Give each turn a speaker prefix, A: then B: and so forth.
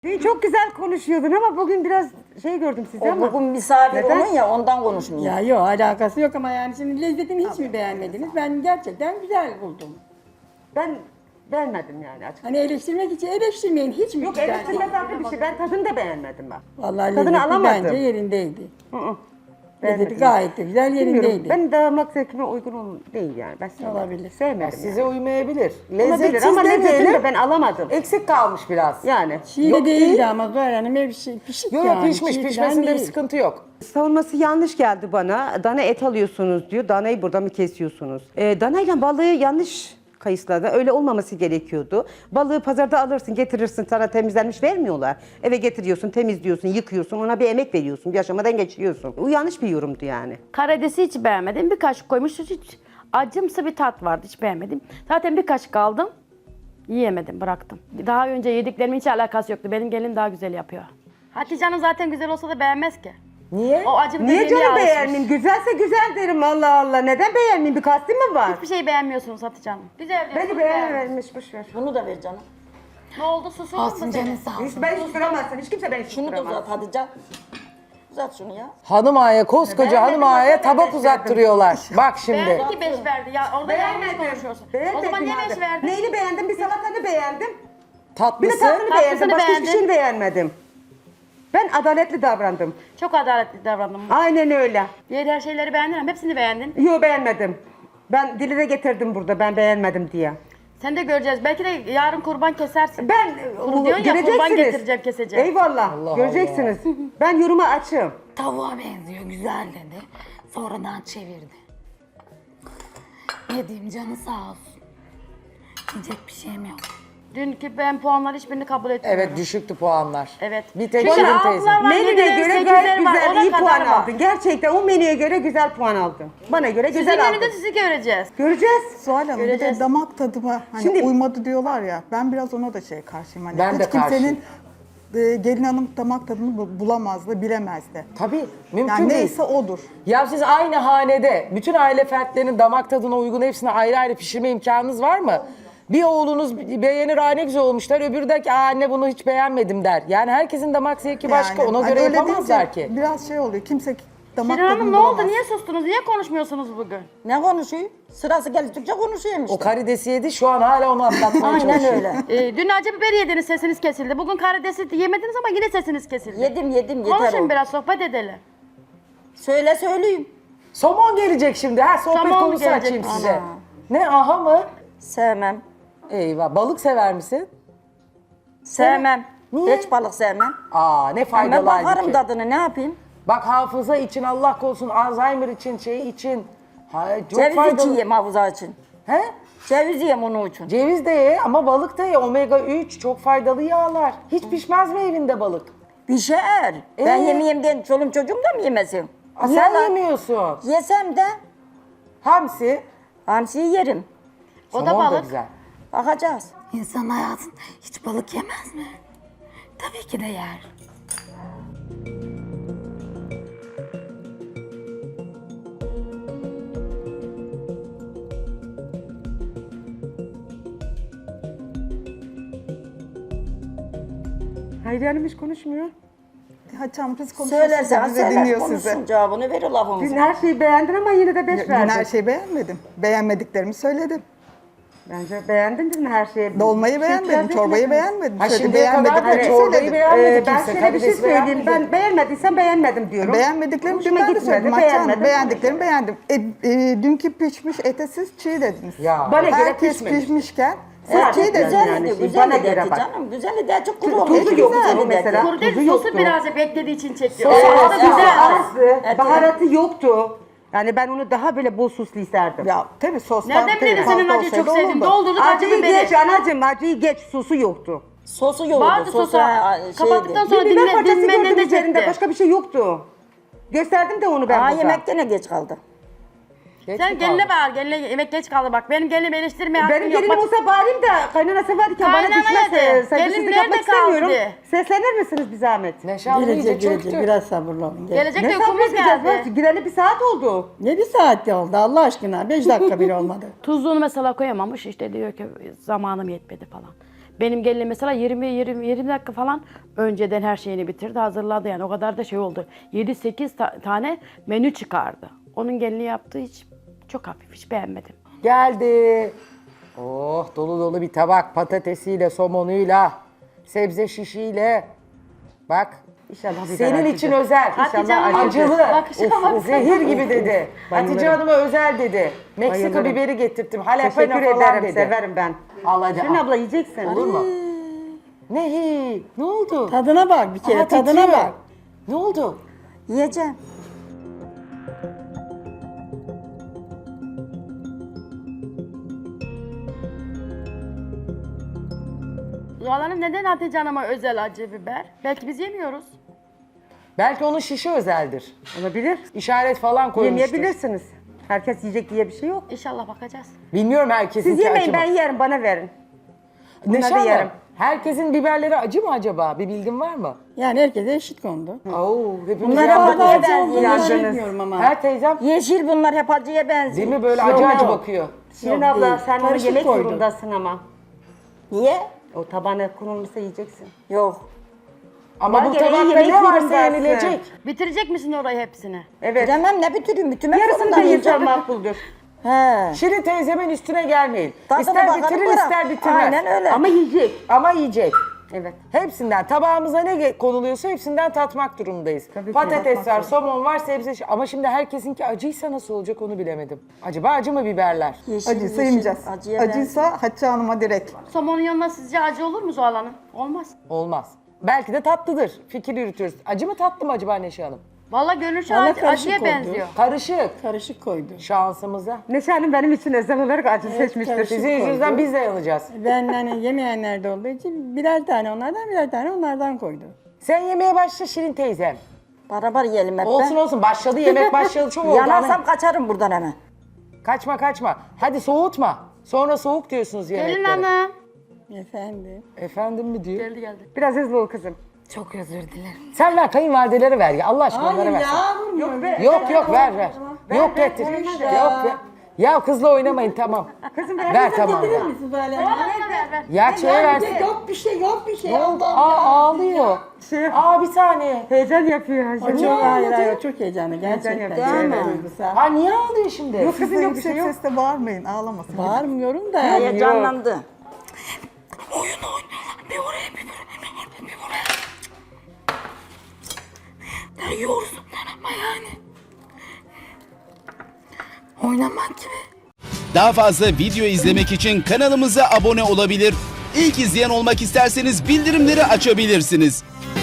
A: Dün çok güzel konuşuyordun ama bugün biraz şey gördüm sizde ama.
B: Bugün misafir
A: Neden?
B: onun ya ondan konuşmuyor.
C: Ya yok alakası yok ama yani şimdi lezzetini hiç mi beğenmediniz? Ben gerçekten güzel buldum.
A: Ben beğenmedim yani açıkçası.
C: Hani eleştirmek için eleştirmeyin hiç mi
A: Yok
C: güzel
A: eleştirme
C: değil?
A: farklı bir şey. Ben tadını da beğenmedim ben.
C: Vallahi
A: Tadını
C: lezzeti
A: alamadım.
C: bence yerindeydi. Lezzeti
A: Beğenmedim.
C: gayet de güzel
A: Bilmiyorum.
C: yerindeydi.
A: Ben damak zevkime uygun değil yani. Ben sevmedim.
C: Olabilir.
A: Sevmedim
D: Size
A: yani.
D: uymayabilir.
A: Olabilir
D: Lezzetsiz
A: ama lezzetini
D: demeyelim.
A: de ben alamadım.
D: Eksik kalmış biraz.
A: Yani.
C: Çiğ
D: Yok
C: de değildi
D: değil.
C: ama Zuhal Hanım ev pişik
D: Yok
C: yani.
D: pişmiş.
C: Çiğ
D: Pişmesinde
C: falan
D: bir
C: değil.
D: sıkıntı yok.
A: Savunması yanlış geldi bana. Dana et alıyorsunuz diyor. Danayı burada mı kesiyorsunuz? Danayla balığı yanlış kayısladı. Öyle olmaması gerekiyordu. Balığı pazarda alırsın, getirirsin, sana temizlenmiş vermiyorlar. Eve getiriyorsun, temizliyorsun, yıkıyorsun, ona bir emek veriyorsun, bir aşamadan geçiriyorsun. Bu yanlış bir yorumdu yani.
E: Karidesi hiç beğenmedim. Bir kaşık koymuş. Hiç acımsı bir tat vardı. Hiç beğenmedim. Zaten bir kaşık aldım. Yiyemedim, bıraktım. Daha önce yediklerimin hiç alakası yoktu. Benim gelin daha güzel yapıyor. Hatice Hanım zaten güzel olsa da beğenmez ki.
D: Niye?
E: O acım
A: Niye
E: dediğine
A: canım
E: alışmış.
A: beğenmeyeyim? Güzelse güzel derim Allah Allah. Neden beğenmeyeyim? Bir kastım mı var?
E: Hiçbir şey beğenmiyorsunuz Hatice Hanım. Güzel diyorsunuz.
A: Beni
E: beğenmedim.
A: beğenmemiş, boş ver.
B: Bunu da ver canım.
E: Ne oldu? Susurdun mu seni?
A: Hiç ben susturamazsın. Hiç kimse beni
B: Şunu da
A: susturamaz.
B: uzat hadi can. Uzat şunu ya.
D: Hanım ağaya, koskoca
A: Beğenmedim,
D: hanım ağaya
A: ben
D: tabak
A: beş
D: uzattırıyorlar. Bak şimdi.
E: Beğendi ki 5 verdi. Ya orada yanlış konuşuyorsun. O zaman niye 5 verdin?
A: Neyini beğendim? Bir salatanı beğendim. Bir de
D: Tatlısı.
A: tatlını beğendim.
E: Tatlısını
A: Başka hiçbir
E: beğendin.
A: şeyini beğenmedim. Ben adaletli davrandım.
E: Çok adaletli davrandım.
A: Aynen öyle.
E: Diğer her şeyleri beğendin ama hepsini beğendin.
A: Yok beğenmedim. Ben dili de getirdim burada ben beğenmedim diye.
E: Sen de göreceğiz. Belki de yarın kurban kesersin.
A: Ben
E: Bunu diyorsun ya, kurban
A: göreceksiniz.
E: getireceğim, keseceğim.
A: Eyvallah.
D: Allah
A: göreceksiniz. Ben yoruma açığım.
F: Tavuğa benziyor, güzel dedi. Sonradan çevirdi. Ne diyeyim canı sağ olsun. Diyecek bir şeyim yok.
E: Dünkü ben puanları hiçbirini kabul etmiyorum.
D: Evet düşüktü puanlar.
E: Evet.
D: Bir tek
E: Çünkü
D: Şirin
E: altılar
D: teyze.
E: var,
A: Menüye
E: yediler,
A: göre
E: sekizler
A: gayet
E: var,
A: güzel,
E: ona
A: iyi
E: kadar
A: puan
E: var.
A: aldın. Gerçekten o menüye göre güzel puan aldın. Bana göre
E: Sizin
A: güzel aldın.
E: menüde sizi göreceğiz.
A: Göreceğiz.
G: Zuhal Hanım bir
E: Göreceğiz.
G: de damak tadıma hani
A: Şimdi-
G: uymadı diyorlar ya. Ben biraz ona da karşıyım. Hani
D: Ben de
G: hiç kimsenin
D: karşıyım.
G: gelin hanım damak tadını bulamazdı, bilemezdi.
D: Tabii mümkün
G: Yani
D: değil.
G: neyse odur.
D: Ya siz aynı hanede bütün aile fertlerinin damak tadına uygun hepsini ayrı ayrı pişirme imkanınız var mı? Bir oğlunuz beğenir, "Aa ne güzel olmuşlar." Öbürü der ki, "Aa anne bunu hiç beğenmedim." der. Yani herkesin damak zevki başka. Ona
G: hani
D: göre
G: öyle
D: yapamazlar
G: deyince
D: ki.
G: Biraz oluyor. Kimse damak
E: Şirin Hanım
G: tadını
E: ne oldu?
G: bulamaz.
E: Niye sustunuz? Niye konuşmuyorsunuz bugün?
B: Ne konuşuyor? Sırası geldikçe konuşuyorum işte.
D: O karidesi yedi şu an hala onu atlatmaya
B: Aynen
D: çalışıyor.
B: öyle.
E: Dün acı biber yediniz, sesiniz kesildi. Bugün karidesi yemediniz ama yine sesiniz kesildi.
B: Yedim yeter
E: Konuşun
B: o.
E: biraz, sohbet edelim.
B: Söyleyeyim.
D: Somon gelecek şimdi. Ha sohbet
E: Somon
D: konusu
E: gelecek.
D: açayım size.
E: Ana.
D: Ne aha mı?
B: Sevmem.
D: Eyvah. Balık sever misin?
B: Sevmem.
D: Niye?
B: Hiç balık sevmem.
D: Aa ne
B: Ben
D: faydalı
B: bakarım
D: halbuki.
B: tadını ne yapayım?
D: Bak hafıza için Allah korusun Alzheimer için şey için. Ha, çok
B: Ceviz
D: faydalı.
B: yiyeyim havuza için.
D: He?
B: Ceviz yiyeyim onun için.
D: Ceviz de ye ama balık da ye. Omega 3 çok faydalı yağlar. Hiç pişmez mi evinde balık?
B: Pişer. Ben yemeyeyim diye çolum çocuğum da mı yemesin?
D: Aa, sen
B: Yalan.
D: yemiyorsun.
B: Yesem de
D: Hamsi.
B: hamsiyi yerim.
E: O da
D: somon
E: balık.
D: güzel.
B: Bakacağız.
F: İnsan hayatında hiç balık yemez mi? Tabii ki de yer.
A: Hayriye Hanım hiç konuşmuyor.
G: Hatice Hanım siz konuşuyorsunuz.
B: Söylersen
G: Bize
B: söyler
G: dinliyor
B: konuşsun
G: sizi.
B: cevabını verir
A: Dün
B: lafımızı.
A: her şeyi beğendin ama yine de 5
G: Dün
A: verdin.
G: her şeyi beğenmedim. Beğenmediklerimi söyledim.
A: Bence beğendin dün her şeyi.
G: Dolmayı
A: Bir şey
G: beğenmedim,
A: itiraz
G: çorbayı
A: etmedin.
G: beğenmedim.
D: Ha,
G: Söyle,
D: şimdiye kadar
G: beğenmediklerimi
D: da çorbayı
G: söyledim.
D: beğenmedi
A: Ben
D: kimse.
A: şöyle bir şey
D: Karidesi
A: söyleyeyim.
D: beğenmedi.
A: Ben beğenmediysem beğenmedim diyorum.
G: Beğenmediklerimi
A: Hoşuma
G: dün ben de
A: gitmedi,
G: söyledim. Hatice Hanım,
A: beğenmedim.
G: beğendiklerimi beğendim. Dünkü pişmiş ete siz çiğ dediniz.
D: Ya.
A: Bana göre
G: Herkes
A: pişmemiş.
G: pişmişken siz
A: Evet,
G: çiğ dediniz.
A: yani
B: Güzel
A: şey,
B: idi,
A: bana
B: güzel
A: göre
B: dedi
A: bak.
B: canım. Güzel idi, açık kuru
A: Tuzu
B: olmuş.
A: yoktu
B: Güzel dedi.
A: mesela.
E: Kuru değil,
A: Tuzu
E: sosu
A: yoktu.
E: birazcık beklediği için çekiyor.
B: Sosu
E: O da
B: az,
E: güzel.
A: Azdı, baharatı yoktu. Yani ben onu daha böyle bol soslu isterdim.
G: Ya tabii sostan
E: Nereden
G: tabii
E: bileyim senin
G: fazla
E: acıyı çok
G: olsaydı
E: sevdiğini?
G: olurdu.
E: Doldurduk acı
A: Acıyı
E: biberi.
A: geç anacığım, acıyı geç. Sosu yoktu.
B: Sosu yoğurdu.
E: Vardı sosu. Kapattıktan sonra
A: Bir biber
E: dinle,
A: parçası
E: dinmenden
A: gördüm
E: de
A: üzerinde.
E: çekti.
A: Başka bir şey yoktu. Gösterdim de onu ben burada.
B: Yemek gene geç kaldı.
D: Geç
E: Sen
D: mi
E: geline
D: kaldı?
E: bağır, geline yemek geç kaldı bak. Benim gelinimi eleştirmeye hakkın
A: Benim
E: yok.
A: gelinim
E: Bak,
A: olsa bağırayım da kaynanası varken bana
E: Kaynana
A: düşmez.
E: dedi.
A: Saygısızlık
E: Gelin
A: yapmak
E: nerede kaldı?
A: istemiyorum. Seslenir misiniz bir zahmet?
D: Neşe abla iyice
C: Gelecek
D: çöktü.
C: gelecek biraz sabırlı olun.
E: gelecek
A: Ne
E: de uykumuz
A: sabredeceğiz?
E: geldi.
A: Bak, gireli bir saat oldu.
C: Ne bir saatte oldu Allah aşkına 5 dakika bile olmadı.
E: Tuzluğunu mesela koyamamış işte diyor ki zamanım yetmedi falan. Benim gelinim mesela 20 dakika falan önceden her şeyini bitirdi, hazırladı yani. O kadar da şey oldu. 7-8 tane menü çıkardı. Onun gelini yaptığı hiç çok hafif, hiç beğenmedim.
D: Geldi. Oh dolu dolu bir tabak patatesiyle, somonuyla, sebze şişiyle. Bak.
A: İnşallah biber
D: Senin
A: acıdır.
D: için özel.
E: Hatice Hanım,
D: Acılı.
E: bakışa bak.
D: Zehir gibi dedi.
A: Bayılırım.
D: Hatice Hanım'a özel dedi. Meksika
A: Bayılırım.
D: biberi getirttim. Jalapeno
A: Teşekkür
D: falan
A: ederim,
D: dedi.
A: severim ben.
D: Al hadi
A: Şirin
D: al.
A: abla yiyeceksin.
D: Olur mu? Ne? Ne oldu?
C: Tadına bak bir kere,
D: Aha,
C: tadına
D: titriyor.
C: bak.
D: Ne oldu?
B: Yiyeceğim.
E: Zuhal Hanım neden Hatice Hanım'a özel acı biber? Belki biz yemiyoruz.
D: Belki onun şişi özeldir.
A: Olabilir.
D: İşaret falan koymuştur.
A: Yemeyebilirsiniz. Herkes yiyecek diye bir şey yok.
E: İnşallah bakacağız.
D: Bilmiyorum herkesin
A: Siz yemeyin, ben yerim, bana verin.
D: Neşe
A: Bunları
D: Hanım,
A: yerim.
D: herkesin biberleri acı mı acaba? Bir bilgin var mı?
C: Yani herkese eşit kondu.
D: Oo, hepimiz
B: Bunlar
D: yandık.
B: hep acıya
C: Acı olduğunu
B: benziyor.
C: bilmiyorum ama.
D: Her teyzem
B: Yeşil bunlar hep acıya benziyor.
D: değil mi böyle acı acı bakıyor.
A: Şirin
C: Yok,
A: abla
C: değil.
A: sen onu
C: Karışık
A: yemek
C: koydum.
A: zorundasın ama.
B: Niye?
A: O tabağına konulmuşsa yiyeceksin.
B: Yok.
D: Ama
A: Bana
D: bu
A: göre
D: tabakta
A: yemek
D: ne varsa
A: zorundasın.
D: yenilecek.
E: Bitirecek misin orayı hepsini?
A: Evet.
B: Bilemem ne bitireyim, bitirmek
A: Yarısını da
B: zorundayım.
A: yesen makbuldür.
B: He.
D: Şirin teyzemin üstüne gelmeyin.
B: Tadına
D: ister
B: bakalım,
D: bitirir
B: bırak.
D: ister bitirmez.
B: Aynen öyle.
A: Ama yiyecek.
D: Ama yiyecek.
A: Evet.
D: Hepsinden tabağımıza ne konuluyorsa hepsinden tatmak durumundayız.
A: Tabii ki,
D: Patates
A: tatmak
D: var, somon var, sebze. Ama şimdi herkesinki acıysa nasıl olacak onu bilemedim. Acaba acı mı biberler?
B: Yeşil,
G: Acıysa
B: yeşil,
G: yemeyeceğiz.
B: acıya benziyor.
G: Acıysa Hatice Hanım'a direkt.
E: Somonun yanına sizce acı olur mu Zuhal Hanım? Olmaz.
D: Olmaz. Belki de tatlıdır. Fikir yürütüyoruz. Acı mı tatlı mı acaba Neşe Hanım?
E: Vallahi görünüşü
C: Vallahi
E: acıya
C: karışık oldu.
E: benziyor.
D: Karışık.
C: Karışık koydu.
D: Şansımıza.
A: Neşe Hanım benim için özel olarak acı seçmiştir.
C: karışık.
D: Sizin yüzünüzden
C: koydu.
D: biz de yanacağız.
C: Ben hani yemeyenler de olduğu için birer tane onlardan, birer tane onlardan koydu.
D: Sen yemeye başla Şirin teyzem.
B: Beraber yiyelim hep
D: Olsun olsun başladı yemek başladı çok oldu.
B: Yanarsam kaçarım buradan hemen.
D: Kaçma kaçma. Hadi soğutma. Sonra soğuk diyorsunuz
E: Gelin
D: yemeklere.
E: hanım.
C: Efendim.
D: Efendim mi diyor?
E: Geldi.
A: Biraz hızlı ol kızım.
F: Çok özür dilerim.
D: Sen ver kayınvalidelere ver ya Allah aşkına onlara ver.
C: Yok be.
D: Yok ver. Yok getir. Yok ver. Ya kızla oynamayın tamam.
A: Kızım
D: Ver tamam.
C: Getirir misin böyle?
E: Ver.
D: Ya şeye versin.
C: Yok bir şey, yok bir şey.
D: Ne oldu?
C: Allah.
D: Ağlıyor. Bir saniye.
A: Heyecan yapıyor.
C: O çok hayır, çok heyecanlı gerçekten.
A: yapıyor,
C: Değil
B: evet.
C: mi? Duygusal.
D: Ha niye ağlıyor şimdi?
A: Yok kızım
G: Kızın
A: yok bir şey yok.
G: sesle bağırmayın, ağlamasın.
C: Bağırmıyorum da.
B: Heyecanlandı.
F: Bir oraya bir buraya bir buraya. Ya yorsunlar ama yani. Oynamak gibi.
H: Daha fazla video izlemek için kanalımıza abone olabilir. İlk izleyen olmak isterseniz bildirimleri açabilirsiniz.